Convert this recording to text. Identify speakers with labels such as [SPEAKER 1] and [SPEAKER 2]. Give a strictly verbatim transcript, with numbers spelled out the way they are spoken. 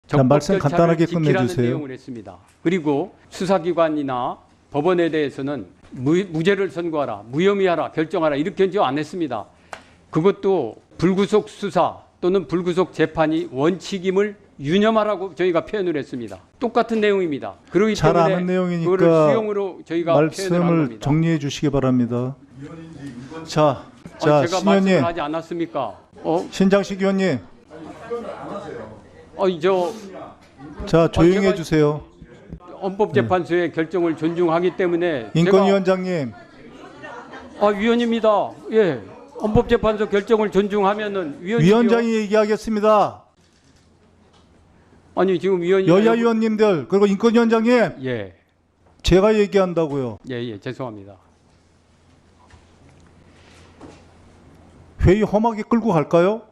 [SPEAKER 1] 적법
[SPEAKER 2] 말씀
[SPEAKER 1] 절차를
[SPEAKER 2] 간단하게
[SPEAKER 1] 지키라는
[SPEAKER 2] 끝내주세요.
[SPEAKER 1] 내용을 했습니다. 그리고 수사기관이나 법원에 대해서는 무, 무죄를 선고하라, 무혐의하라, 결정하라 이렇게 안 했습니다. 그것도 불구속 수사 또는 불구속 재판이 원칙임을 유념하라고 저희가 표현을 했습니다. 똑같은 내용입니다. 그렇기
[SPEAKER 2] 잘
[SPEAKER 1] 때문에
[SPEAKER 2] 아는 내용이니까
[SPEAKER 1] 그거를 수용으로 저희가 표현을 한
[SPEAKER 2] 말씀을
[SPEAKER 1] 겁니다.
[SPEAKER 2] 정리해 주시기 바랍니다. 자, 자
[SPEAKER 1] 아니, 제가
[SPEAKER 2] 신현님,
[SPEAKER 1] 말씀을 하지 않았습니까? 어,
[SPEAKER 2] 신장식 의원님,
[SPEAKER 1] 어, 저
[SPEAKER 2] 자 조용히
[SPEAKER 1] 제가-
[SPEAKER 2] 해주세요.
[SPEAKER 1] 헌법재판소의 결정을 존중하기 때문에
[SPEAKER 2] 인권위원장님,
[SPEAKER 1] 제가, 아 위원입니다. 예, 헌법재판소 결정을 존중하면은 위원이
[SPEAKER 2] 위원장이 얘기하겠습니다.
[SPEAKER 1] 아니 지금 위원이
[SPEAKER 2] 여야 위원님들 그리고 인권위원장님,
[SPEAKER 1] 예,
[SPEAKER 2] 제가 얘기한다고요.
[SPEAKER 1] 예, 예, 죄송합니다.
[SPEAKER 2] 회의 험하게 끌고 갈까요?